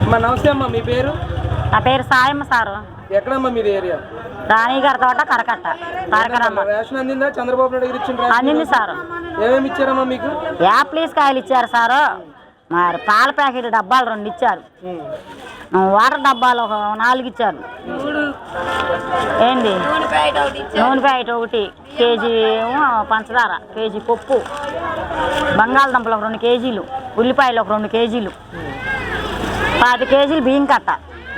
నమస్తే అమ్మా, మీ పేరు? నా పేరు సాయమ్మ సారు. ఎక్కడమ్మా మీది ఏరియా? రాణిగారి తోట కరకట్ట. రేషన్ అందిందా? చంద్రబాబు నాయుడు గారు ఇచ్చిన అందింది సారు. ఏమేమి ఇచ్చారమ్మా మీకు? యాప్లీస్ కాయలు ఇచ్చారు సారు. మరి పాల ప్యాకెట్ డబ్బాలు 2 ఇచ్చారు. వాటర్ డబ్బాలు 4 ఇచ్చారు. ఏంది నూనె ప్యాకెట్ 1 కేజీ, పంచదార కేజీ, పప్పు, బంగాళదుంపలు 2 కేజీలు, ఉల్లిపాయలు 2 కేజీలు, 10 కేజీలు బియ్యం కట్ట.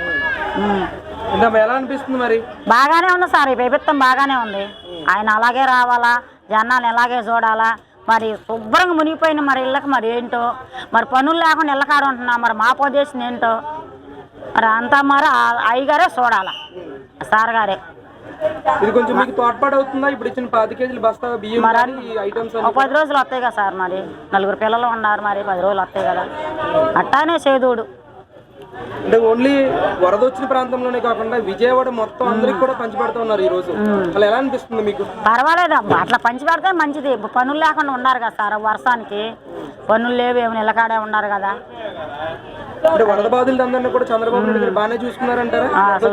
ఎలా అనిపిస్తుంది మరి? బాగానే ఉంది సార్, ఈ ప్రభుత్వం బాగానే ఉంది. ఆయన అలాగే రావాలా, జనాన్ని ఎలాగే చూడాలా. మరి శుభ్రంగా మునిగిపోయిన మరి ఇళ్ళకి మరి ఏంటో, మరి పనులు లేకుండా ఇళ్ళకాడు ఉంటున్నా, మరి మా పొజిషన్ ఏంటో మరి అంతా మరి అయ్యగారే చూడాలా, సార్ గారే. ఇది కొంచెం మీకు తోడ్పాటు అవుతుందా? ఇప్పుడు ఇచ్చిన 10 కేజీల బస్తా బియ్యం ఐటమ్స్ 10 రోజులు వస్తాయి కదా సార్. మరి 4 పిల్లలు ఉన్నారు, మరి 10 రోజులు వస్తాయి కదా. అట్టానే చేదోడు. అంటే ఓన్లీ వరద వచ్చిన ప్రాంతంలోనే కాకుండా విజయవాడ మొత్తం అందరికి కూడా పంచిపెడతా ఉన్నారు ఈ రోజు. అలా ఎలా అనిపిస్తుంది మీకు? పర్వాలేదు, అట్లా పంచి పెడితే మంచిది. పనులు లేకుండా ఉన్నారు కదా సార్, వర్షానికి పనులు లేవు, ఏమి నిలకాడే ఉన్నారు కదా. అంటే వరద బాధితులు అందరినీ కూడా చంద్రబాబు నాయుడు గారు బాగానే చూసుకున్నారంటారా?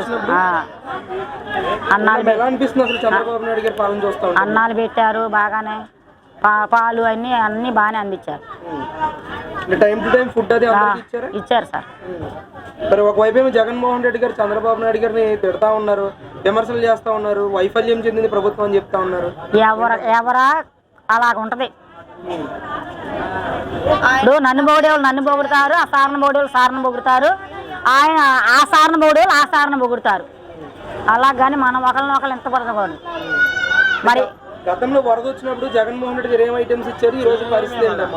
అన్నాలు ఎలా అనిపిస్తుంది అసలు చంద్రబాబు నాయుడు గారు పాలన చూస్తా? అన్నాలు పెట్టారు బాగానే, పాలు అన్ని బాగానే అందించారు. టైం టు టైం ఫుడ్ అది ఇచ్చారు సార్. మరి ఒకవైపు ఏమో జగన్మోహన్ రెడ్డి గారు చంద్రబాబు నాయుడు గారిని తిడతా ఉన్నారు, విమర్శలు చేస్తా ఉన్నారు, వైఫల్యం చెందింది ప్రభుత్వం అని చెప్తా ఉన్నారు. ఎవరా అలాగుంటది. ఇప్పుడు నన్ను పొగిడేవాళ్ళు నన్ను పొగుడుతారు, ఆ సారణ పొగిడేవాళ్ళు సారణ పొగుడుతారు, ఆయన ఆ సారణ పొగిడేవాళ్ళు ఆ సారణ పొగుడుతారు. అలాగని మనం ఒకరిని ఎంత పడకూడదు. మరి గతంలో వరద వచ్చినప్పుడు జగన్మోహన్ రెడ్డి గారు ఏం ఐటమ్స్ ఇచ్చారు? ఈ రోజు పరిస్థితి ఏంటమ్మా?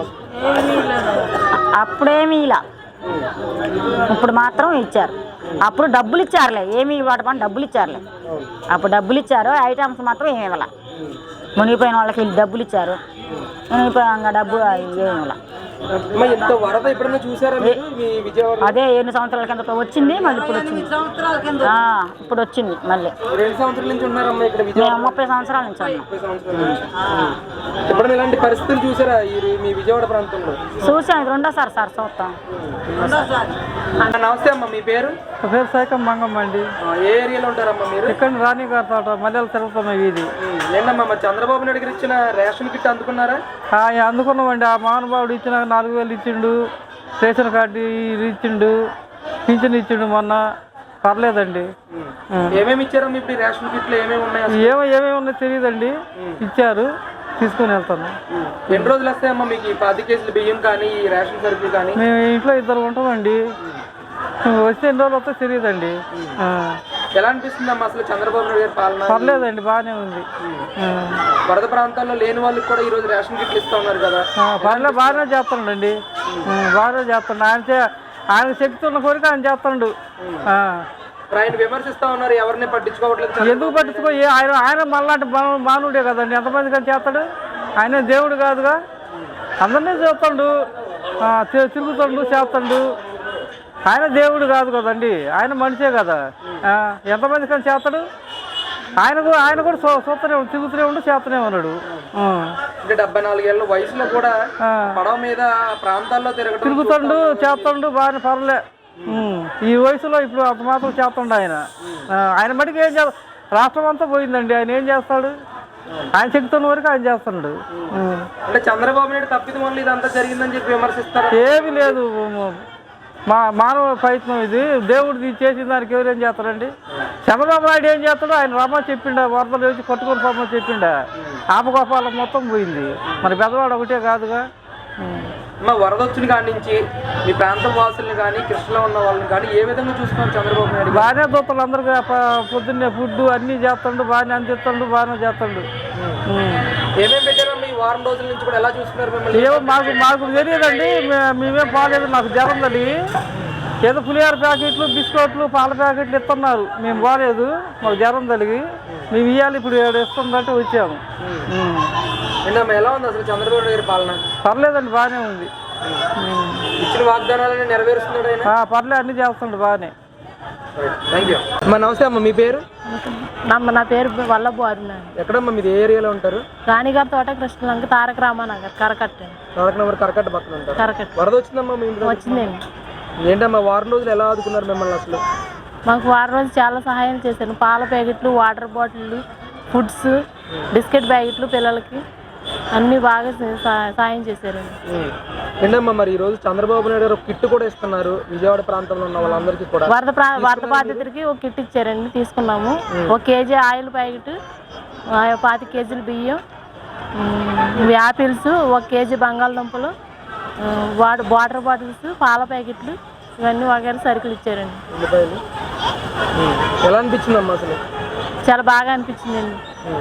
అప్పుడేమి ఇలా, ఇప్పుడు మాత్రం ఇచ్చారు. అప్పుడు డబ్బులు ఇచ్చారులే, ఏమి ఇవ్వడం డబ్బులు ఇచ్చారులే. అప్పుడు డబ్బులు ఇచ్చారు, ఐటమ్స్ మాత్రం ఏమి ఇవ్వాల. మునిగిపోయిన వాళ్ళకి డబ్బులు ఇచ్చారు, మునిగిపోయాక డబ్బు ఏమి ఇవ్వాల. వరద ఎప్పుడైనా చూసారా మీ విజయవాడ? అదే 7 సంవత్సరాల కింద వచ్చింది, మళ్ళీ ఇప్పుడు వచ్చింది. ఇప్పుడు వచ్చింది మళ్ళీ. 2 సంవత్సరాల నుంచి ఉన్నారమ్మా ఇక్కడ విజయవాడ? 30 సంవత్సరాల నుంచి ఉన్నాం. ఎప్పుడైనా ఇలాంటి పరిస్థితులు చూసారా మీ విజయవాడ ప్రాంతంలో? చూసాను, రెండోసారి సార్ చూస్తాం. నమస్తే అమ్మా, మీ పేరు? పేరు సైకం మంగమ్మ అండి. ఏ ఏరియాలో ఉంటారమ్మా మీరు? ఇక్కడ రాణిగారి తోట మల్లెలు తిరుగుతాం. ఇది ఏంటమ్మా మరి చంద్రబాబు నాయుడు గారు ఇచ్చిన రేషన్ కిట్ అందుకున్నారా? అందుకున్నామండి. ఆ మహానుభావుడు ఇచ్చిన 4000 ఇచ్చిండు, రేషన్ కార్డు ఇచ్చిండు, పింఛన్ ఇచ్చిండు మొన్న. పర్లేదండి. ఏమేమి ఇచ్చారమ్మా ఇప్పుడు రేషన్ కిట్లు? ఏమేమి ఉన్నాయి? ఏమేమి ఉన్నాయో తెలియదండి, ఇచ్చారు, తీసుకుని వెళ్తాను. ఎన్ని రోజులు వస్తాయమ్మా మీకు ఈ 10 కేజీల బియ్యం కానీ ఈ రేషన్ సరుకులు కానీ? మేము ఇంట్లో 2 ఉంటామండి, వస్తే ఎన్ని రోజులు వస్తే తెలియదండి. ఎలా అనిపిస్తుందమ్మా అసలు చంద్రబాబు నాయుడు గారి పాలన? పర్లేదండి, బాగానే ఉంది. వరద ప్రాంతాల్లో లేని వాళ్ళకి కూడా ఈ రోజు రేషన్ కిట్లు ఇస్తా ఉన్నారు కదా. పర్లేదు, బాగానే చేస్తాడండి, బాగానే చేస్తాడు. ఆయన శక్తి ఉన్న కోరిక ఆయన చేస్తాడు. ఆయన విమర్శిస్తా ఉన్నారు, ఎవరిని పట్టించుకోవట్లేదు. ఎందుకు పట్టించుకో? ఆయన మళ్ళాంటి మానవుడే కదండి, ఎంతమంది కానీ చేస్తాడు. ఆయన దేవుడు కాదుగా, అందరినీ చేస్తాడు, తిరుగుతాడు, చేస్తాడు. ఆయన దేవుడు కాదు కదండి, ఆయన మనిషే కదా. ఎంతమంది కానీ చేస్తాడు. ఆయన కూడా చూస్తూనే ఉండు, తిరుగుతూనే ఉండు, చేస్తూనే ఉన్నాడు. 74 ఏళ్ళ వయసులో కూడా పడవ మీద ప్రాంతాల్లో తిరుగుతాడు, చేస్తాడు, బాగానే పర్లే. ఈ వయసులో ఇప్పుడు అంత మాత్రం చేస్తాడు ఆయన. ఆయన మటుకు ఏం చేస్తాడు? రాష్ట్రం అంతా పోయిందండి, ఆయన ఏం చేస్తాడు? ఆయన చెప్తున్న వరకు ఆయన చేస్తున్నాడు. అంటే చంద్రబాబు నాయుడు తప్పిదం వల్ల ఇదంతా జరిగిందని చెప్పి విమర్శిస్తారు. ఏమీ లేదు, మానవ ప్రయత్నం ఇది. దేవుడు చేసిన దానికి ఎవరేం చేస్తారండి? చంద్రబాబు నాయుడు ఏం చేస్తాడు? ఆయన రమ్మని చెప్పిండ, వరదలు వేసి కొట్టుకొని పోమని చెప్పిండ, ఆపగోపాలకు మొత్తం పోయింది. మరి పెద్దవాడు ఒకటే కాదుగా. వరద వచ్చిన కాడి నుంచి మీ ప్రాంతం వాసుల్ని కానీ కృష్ణలో ఉన్న వాళ్ళని కానీ ఏ విధంగా చూస్తున్నారు చంద్రబాబు నాయుడు? బాగానే దూతలు అందరికీ పొద్దున్నే ఫుడ్ అన్నీ చేస్తాడు, బాగానే అందిస్తాడు, బాగానే చేస్తాడు. ఏమేమి పెట్టారమ్మా ఈ వారం రోజుల నుంచి కూడా? ఎలా చూస్తున్నారు మిమ్మల్ని? ఏమో మాకు తెలియదండి, మేమేం బాగాలేదు. మాకు జ్వరం తల్లి, ఏదో పులిహార ప్యాకెట్లు, బిస్కెట్లు, పాల ప్యాకెట్లు ఇస్తున్నారు. మేము బాగాలేదు, మాకు జ్వరం తలిగి మేము ఇవ్వాలి. ఇప్పుడు ఇస్తుందంటే వచ్చాము. ఎలా ఉంది అసలు చంద్రబాబు నాయుడు పాలన? పర్లేదండి, బాగానే ఉంది. ఇచ్చిన వాగ్దానాలను నెరవేరుస్తున్నాడు ఆయన? పర్లేదు, అన్ని చేస్తుండే బాగానే. నమస్తే అమ్మ, మీ పేరు? నా పేరు వల్లభు అరుణ. ఎక్కడమ్మా మీది? ఏ ఏరియాలో ఉంటారు? రాణిగారి తోట, కృష్ణలంక, తారక రామానగర్, కరకట్ట. కరకట్ట పక్కన ఉంటారు. కరకట్ట వరద వచ్చిందమ్మా మీ ఇంట్లో? వచ్చిందండి. ఏంటమ్మా వారం రోజులు ఎలా ఆదుకున్నారు మిమ్మల్ని అసలు? మాకు వారం రోజు చాలా సహాయం చేశారు. పాల ప్యాకెట్లు, వాటర్ బాటిళ్ళు, ఫుడ్స్, బిస్కెట్ ప్యాకెట్లు పిల్లలకి అన్నీ బాగా సాయం చేశారండి. ఏంటమ్మా మరి ఈరోజు చంద్రబాబు నాయుడు గారు కిట్ కూడా ఇస్తున్నారు విజయవాడ ప్రాంతంలో ఉన్న వాళ్ళందరికీ కూడా. వరద బాధితులకి ఒక కిట్ ఇచ్చారండి, తీసుకున్నాము. 1 కేజీ ఆయిల్ ప్యాకెట్, 25 కేజీలు బియ్యం, యాపిల్స్, 1 కేజీ బంగాళదుంపలు, వాటర్ బాటిల్స్, పాల ప్యాకెట్లు, ఇవన్నీ వగైరా సరుకులు ఇచ్చారండి. ఎలా అనిపించిందమ్మా అసలు? చాలా బాగా అనిపించిందండి.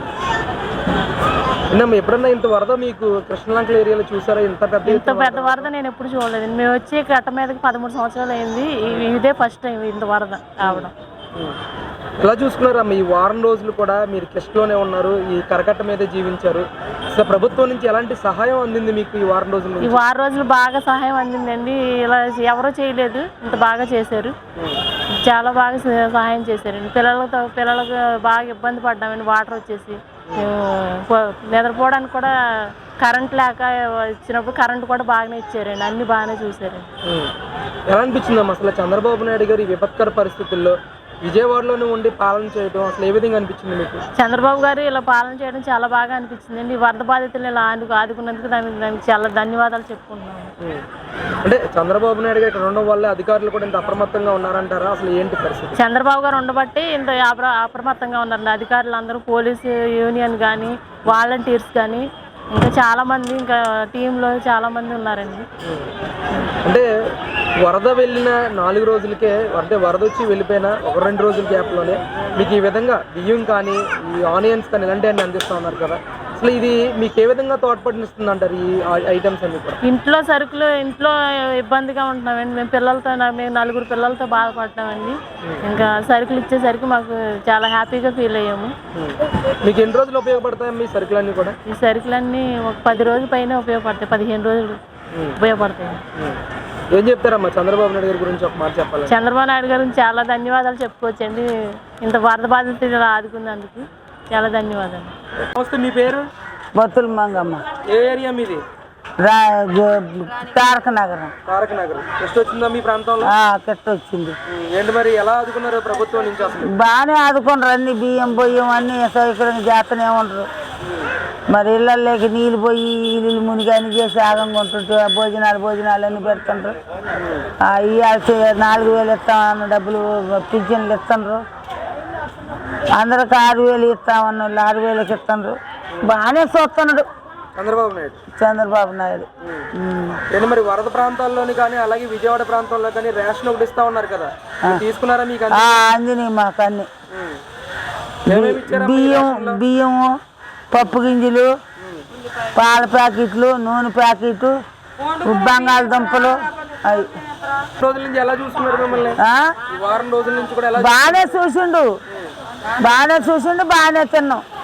ఎప్పుడన్నా ఇంత వరద మీకు కృష్ణలంకల ఏరియాలో చూసారా? ఇంత పెద్ద వరద నేను ఎప్పుడు చూడలేదు. మేము వచ్చి కట్ట మీదకి 13 సంవత్సరాలు అయింది. ఇదే ఫస్ట్ టైం ఇంత వరద రావడం. ఎలా చూసుకున్నారమ్మా ఈ వారం రోజులు కూడా మీరు కృష్ణలోనే ఉన్నారు, ఈ కరకట్ట మీదే జీవించారు? అసలు ప్రభుత్వం నుంచి ఎలాంటి సహాయం అందింది మీకు ఈ వారం రోజులు? ఈ వారం రోజులు బాగా సహాయం అందిందండి. ఇలా ఎవరో చేయలేదు, ఇంత బాగా చేశారు. చాలా బాగా సహాయం చేశారండి. పిల్లలకు బాగా ఇబ్బంది పడ్డామండి. వాటర్ వచ్చేసి నిద్రపోవడానికి కూడా కరెంట్ లేక ఇచ్చినప్పుడు కరెంట్ కూడా బాగానే ఇచ్చారండి. అన్ని బాగానే చూసారండి. ఎలా అనిపించిందమ్మా అసలు చంద్రబాబు నాయుడు గారు ఈ విపత్కర పరిస్థితుల్లో విజయవాడలోనే ఉండి పాలన చేయడం అసలు ఏ విధంగా అనిపించింది మీకు? చంద్రబాబు గారు ఇలా పాలన చేయడం చాలా బాగా అనిపించిందండి. వరద బాధితులు ఇలా ఆదుకున్నందుకు దానికి చాలా ధన్యవాదాలు చెప్పుకుంటున్నాను. అంటే చంద్రబాబు నాయుడు గారు ఇక్కడ ఉండడం వల్ల అధికారులు కూడా ఇంత అప్రమత్తంగా ఉన్నారంటారా? అసలు ఏంటి పరిస్థితి? చంద్రబాబు గారు ఉండబట్టి ఇంత అప్రమత్తంగా ఉన్నారండి. అధికారులు అందరూ, పోలీసు యూనియన్ కానీ, వాలంటీర్స్ కానీ, ఇంకా చాలామంది, ఇంకా టీంలో చాలామంది ఉన్నారండి. అంటే వరద వెళ్ళిన 4 రోజులకే, అంటే వరద వచ్చి వెళ్ళిపోయిన 1-2 రోజుల గ్యాప్లోనే మీకు ఈ విధంగా బియ్యం కానీ, ఈ ఆనియన్స్ కానీ ఇలాంటివన్నీ అందిస్తూ ఉన్నారు కదా, అసలు ఇది మీకు ఏ విధంగా తోడ్పడిస్తుంది అంటారు ఈ ఐటమ్స్ అన్ని కూడా? ఇంట్లో సరుకులు, ఇంట్లో ఇబ్బందిగా ఉంటున్నామండి. మేము 4 పిల్లలతో బాధపడ్డామండి. ఇంకా సరుకులు ఇచ్చేసరికి మాకు చాలా హ్యాపీగా ఫీల్ అయ్యాము. మీకు ఎన్ని రోజులు ఉపయోగపడతాయి మీ సరుకులన్నీ కూడా? ఈ సరుకులన్నీ ఒక 10 రోజుల పైన ఉపయోగపడతాయి, 15 రోజులు ఉపయోగపడతాయి. ఏం చెప్తారమ్మా చంద్రబాబు నాయుడు గారి గురించి ఒక మాట చెప్పాలి? చంద్రబాబు నాయుడు గారికి చాలా ధన్యవాదాలు చెప్పుకోవచ్చండి. ఇంత వరద బాధితులు ఆదుకున్నందుకు చాలా ధన్యవాదాలు. నమస్తే, మీ పేరు? బొత్తుల మంగమ్మ. ఏ ఏరియా మీది? తారక నగరం. తారక నగరం. ಎಷ್ಟು వచ్చిందా మీ ప్రాంతంలో? కెట్ట వచ్చింది. ఏంటి మరి ఎలా ఆదుకున్నారు ప్రభుత్వం నుంచి అసలు? బాగానే ఆదుకున్నారు. అన్ని బియ్యం బొయ్యం అన్ని సౌకర్యంగా చేస్తూనే ఉండరు. మరి ఇళ్ళల్లోకి నీళ్ళు పోయి ఇల్లు మునిగి అన్ని చేసి ఆగంగా ఉంటుంటే భోజనాలు అన్ని పెడుతుండ్రు. ఇవ్వాల్సి 4,000 ఇస్తామన్న డబ్బులు పింఛన్లు ఇస్తుండ్రు. అందరికి 6,000 ఇస్తామన్న 6,000కి ఇస్తుండ్రు. బాగానే చూస్తున్నాడు చంద్రబాబు నాయుడు. ఏంటి మరి వరద ప్రాంతాల్లోని కానీ అలాగే విజయవాడ ప్రాంతంలో కానీ రేషన్ ఒకటి ఇస్తా ఉన్నారు కదా, తీసుకున్నారా? మీకు అందినాయి మాకు అన్ని. బియ్యము, పప్పు గింజలు, పాల ప్యాకెట్లు, నూనె ప్యాకెట్, బంగాళదుంపలు. అవి రోజుల నుంచి ఎలా చూస్తున్నారు మిమ్మల్ని? వారం రోజుల నుంచి కూడా బాగానే చూసిండు, బాగానే తిన్నాం.